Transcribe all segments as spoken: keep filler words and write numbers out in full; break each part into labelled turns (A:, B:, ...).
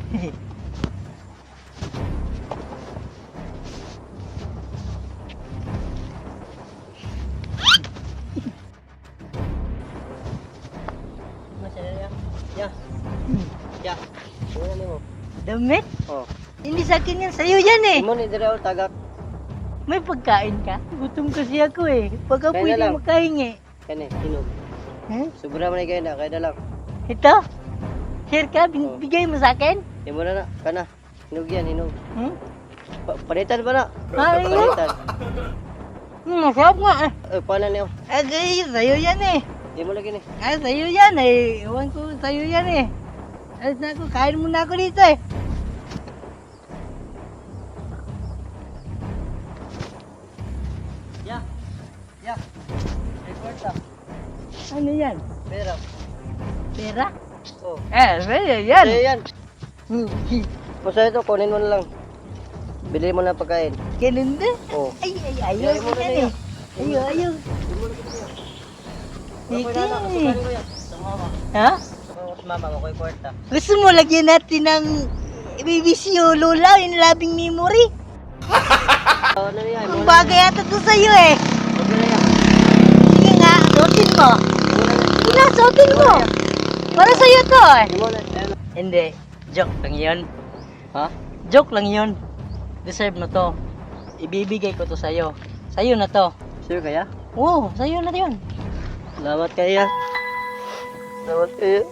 A: Ya. Ya. Ano ni mo?
B: Damit?
A: Oh.
B: Hindi sa akin yan, sa'yo yan eh.
A: Imo ni dira o tagak.
B: May pagkain ka? Gutom kasi ako eh. Pag ako
A: Kaya na
B: hindi
A: lang.
B: makahingi.
A: Kani, hinog.
B: Eh?
A: Sobra man kay na, kaya na lang.
B: Ito? Share ka?
A: Oh.
B: Bin- Bigay mo sa akin?
A: Imo na na, kana. Hinog yan, hinog.
B: Hmm?
A: Pa panitan ba na?
B: Ah, ano?
A: Panitan.
B: Hmm, masarap nga eh.
A: Eh, paano niyo?
B: Eh, sa'yo, sa'yo yan eh.
A: Di mo lagi ni.
B: Eh, sa'yo yan eh. Iwan ko sa'yo yan eh. Alis na ako, kain muna ako dito eh.
A: Ya. Ya. Record ta.
B: Ano yan?
A: Pera.
B: Pera?
A: Oh.
B: Eh, sa'yo yan.
A: Sa'yo yan.
B: Hmm.
A: Basta ito, kunin mo na lang. Bili mo na pagkain.
B: Ganun din?
A: Oh.
B: Ay, ay, ayaw
A: Ayaw
B: ko
A: mo na
B: yan
A: niya.
B: eh. Ayaw, ayaw.
A: Ako
B: Sige.
A: na na, kasukan ko yan. Sa mama.
B: Ha?
A: Sa mama, makoy kwarta.
B: Gusto mo lagyan natin ng B B C o Lola, yung labing memory?
A: Ano na yan?
B: Ang bagay ata to sa'yo eh.
A: Huwag mo na yan.
B: Sige nga, suotin mo. Sige na, suotin mo. Para sa'yo to eh.
A: Hindi mo na. Ayan.
B: Hindi, joke lang yun.
A: Ha?
B: Joke lang yun. Deserve mo to. Ibibigay ko to sa'yo. Sa'yo na to.
A: Sure kaya?
B: Oo, sa'yo na yun.
A: Salamat kaya. Salamat kaya.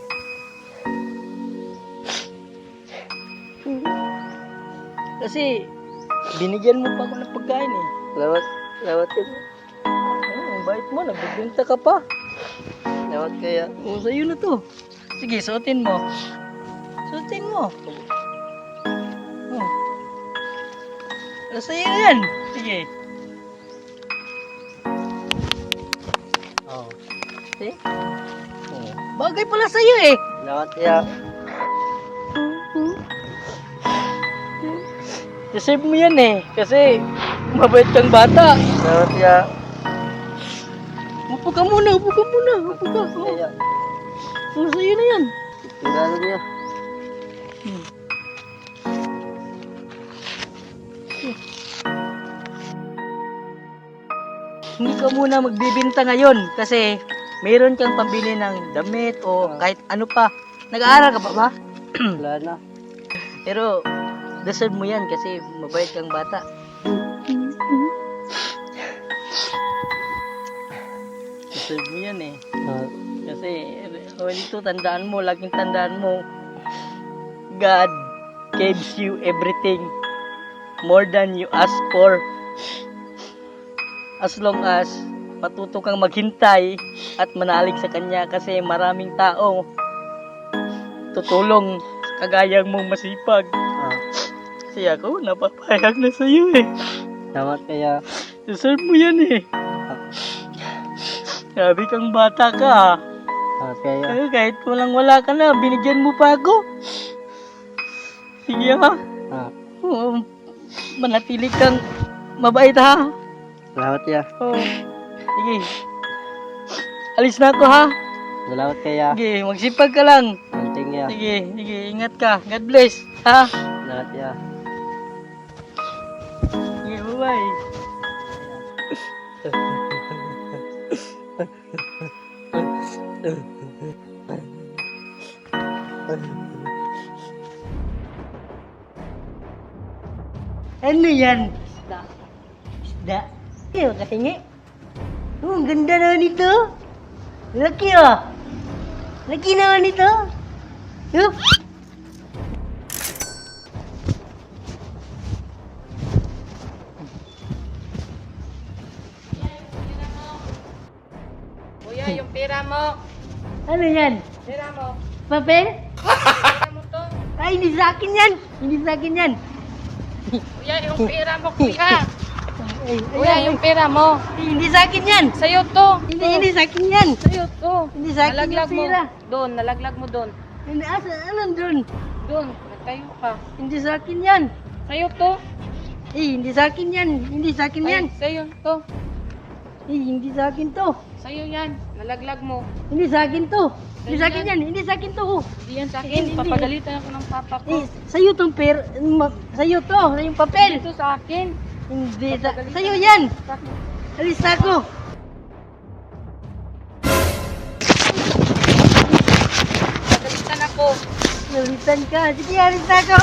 B: Kasi, binigyan mo pa ako ng pagkain eh.
A: Salamat. Salamat kaya.
B: Oh, ang bait mo, nagbibinta ka pa.
A: Salamat kaya.
B: Oo, sa'yo na to. Sige, suotin mo. Suotin mo. Oh. Ah, sa'yo na yan. Sige.
A: Oh.
B: See? Oh. Bagay pala sa'yo eh.
A: Salamat kaya.
B: Deserve mo yan eh. Kasi, mabait kang bata.
A: Salamat kaya.
B: Upo ka muna, upo ka muna. Upo ka. Oh,
A: Kaya.
B: oh sa'yo na yan.
A: Tingnan niya.
B: Hmm. Hindi ka muna magbibinta ngayon kasi mayroon kang pambili ng damit o kahit ano pa. Nag-aaral ka pa ba?
A: Wala na.
B: Pero deserve mo yan kasi mabait kang bata. Deserve mo yan eh.
A: Ah,
B: Kasi oh, ito tandaan mo, laging tandaan mo, God gives you everything more than you ask for. As long as matuto kang maghintay at manalig sa Kanya kasi maraming tao tutulong sa kagayang mong masipag.
A: ah.
B: Kasi ako, napapayag na sa iyo eh.
A: Salamat kaya.
B: Deserve mo yan eh. Sabi kang bata ka ha.
A: Ah, kaya.
B: Eh, kahit walang wala ka na, binigyan mo pa ako. Sige ha.
A: Ah,
B: Oo, manatili kang mabait ha.
A: salamat kaya.
B: Oo. Sige. Alis na ako ha.
A: Salamat kaya.
B: Sige, magsipag ka lang.
A: Anting kaya.
B: Sige, sige, ingat ka. God bless. Ha?
A: Salamat kaya.
B: Sige, bye-bye. Ano yan? Isda. Isda? Ayaw kahingi. Oh, ang ganda naman ito. Laki oh. Laki naman ito. Oh.
C: Kuya, yung pera mo.
B: Ano yan?
C: Pera mo.
B: Papel?
C: Pera mo to.
B: Ay, hindi sa akin yan. Hindi sa akin yan.
C: Kuya, yung pera mo, kuya.
B: Ay,
C: Kuya,
B: ayan,
C: yung pera mo.
B: ay, hindi sa akin yan.
C: Sa'yo to.
B: Hindi, hindi sa akin yan.
C: Sa'yo to.
B: Hindi sa akin
C: Nalaglag
B: yung
C: mo.
B: pera.
C: Doon, nalaglag mo doon.
B: Hindi, asa, anong doon?
C: Doon, nagtayo ka.
B: Hindi sa akin yan.
C: Sa'yo to.
B: Eh, hindi sa akin yan. Hindi sa akin yan.
C: Ay, sa'yo to.
B: Eh, hindi sa akin to.
C: Sa'yo yan. Nalaglag mo.
B: Hindi sa akin to. Hindi sa akin yan. Hindi sa akin to. oh.
C: Hindi yan sa
B: Hindi.
C: akin. Papagalitan ako ng papa ko.
B: Eh, sa'yo tong per... ma- Sa'yo to. Yung papel.
C: Ito sa akin.
B: Hindi. Sa, sa'yo yan.
C: Sa akin.
B: Alis na ako.
C: Papagalitan ako.
B: Nalitan ka. Sige, alis na ako.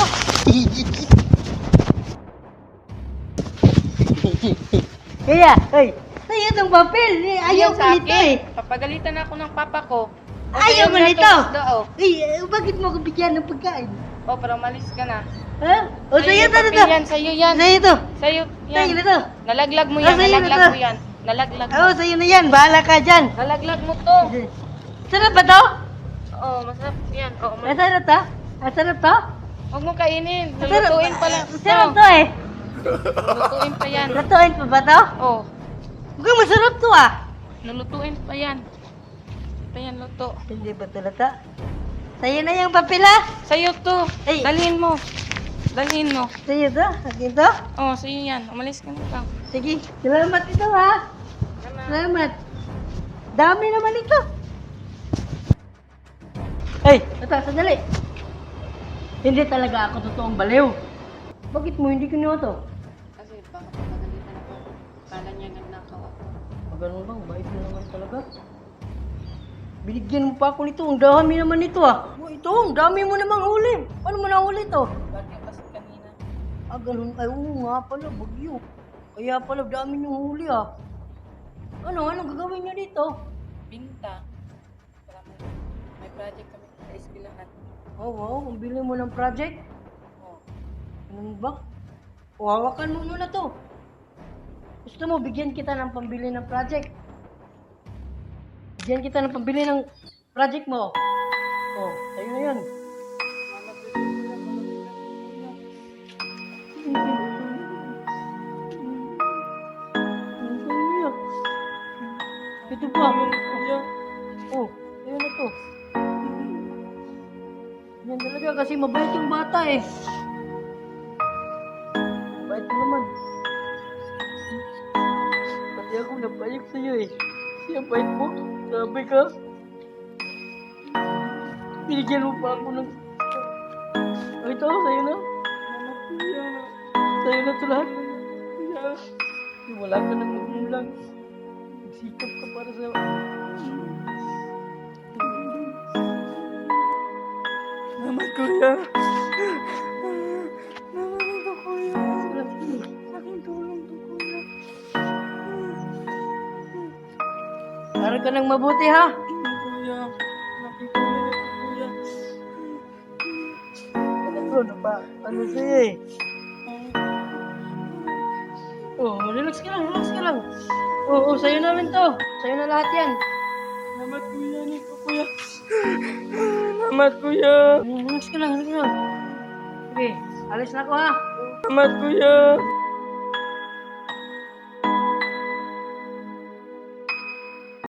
B: Kaya, ay, sa'yo tong papel. Eh, ayaw
C: Yan
B: ko
C: sa
B: nito
C: akin.
B: eh.
C: Papagalitan ako ng papa ko. O,
B: Ayaw
C: sa'yo
B: mo
C: na
B: nito.
C: to, isda, oh.
B: Eh, eh, bakit mo ko bigyan ng pagkain?
C: O, para umalis ka na.
B: Ha? O, sa'yo
C: yung
B: to,
C: papel
B: to.
C: yan, sa'yo yan.
B: Sa'yo to.
C: Sa'yo
B: Sa'yo
C: yan.
B: na to.
C: Nalaglag mo
B: Ah,
C: yan,
B: sa'yo na
C: nalaglag
B: to.
C: mo yan. Nalaglag mo.
B: Oo, sa'yo na yan. Bahala ka dyan.
C: Nalaglag mo to.
B: Sarap ba to?
C: Oo, masarap yan. Oo, mas-
B: Masarap to? Masarap to?
C: Huwag mo kainin.
B: Masarap-
C: Lulutuin pa lang.
B: Masarap
C: Oo,
B: to eh.
C: Lulutuin pa yan.
B: Lutuin pa ba to?
C: Oo,
B: Mukhang masarap to ah.
C: lulutuin pa yan. Pa yan, luto.
B: Hindi ba to lata? Sa'yo na yung papel ah.
C: Sa'yo to.
B: Ay.
C: Dalhin mo. Dalhin mo.
B: Sa'yo to? Akin to?
C: Oo, sa'yo yan. Umalis ka na lang.
B: Sige. Salamat ito ha. Salamat. Dami naman ito. Ay, ito, sandali. Hindi talaga ako totoong baliw. Bakit mo hindi kinuha to?
C: Kasi baka pagalitan ako. Kala niya nagnakaw ako.
B: Ah, ganun bang? Bait mo naman talaga. Binigyan mo pa ako nito. Ang dami naman nito ah. Oh, ito, ang dami mo namang huli. Paano mo nahuli to?
C: Bagyo kasi kanina.
B: Ah, ganun. Ay, oo nga pala. Bagyo. Kaya pala, dami niyong huli ah. Ano? Anong gagawin niyo dito?
C: Binta. Para may, may project kami sa eskwelahan.
B: Oh, wow. Ang bili mo ng project.
C: Oo.
B: Ano ba? O, hawakan mo muna to. Gusto mo, bigyan kita ng pambili ng project. Bigyan kita ng pambili ng project mo. Oh, tayo na yan. Ito pa. Oh, ayun na to. Yan talaga kasi mabait yung bata eh. Mabait mo naman. Pati ako napayag sa'yo eh. Siya bait mo. Sabi ka. Binigyan mo pa ako ng... Oh, ito, sa'yo na. Sa'yo na ito lahat. Wala ka nang magulang. Nagsikap ka para sa... Naman, kuya. Naman ito, kuya. Aking tulong to, kuya. Para ka nang mabuti, ha? Kuya. Aking tulong ito, kuya. Ano na ba? Ano sa'yo eh? Oh, relax ka lang, relax ka lang. Oo, oh, sa'yo namin to. Sa'yo na lahat yan. Salamat, kuya. Nito, kuya. Salamat, kuya. Relax ka lang, relax ka lang. Sige, alis na ako ha. Salamat, kuya.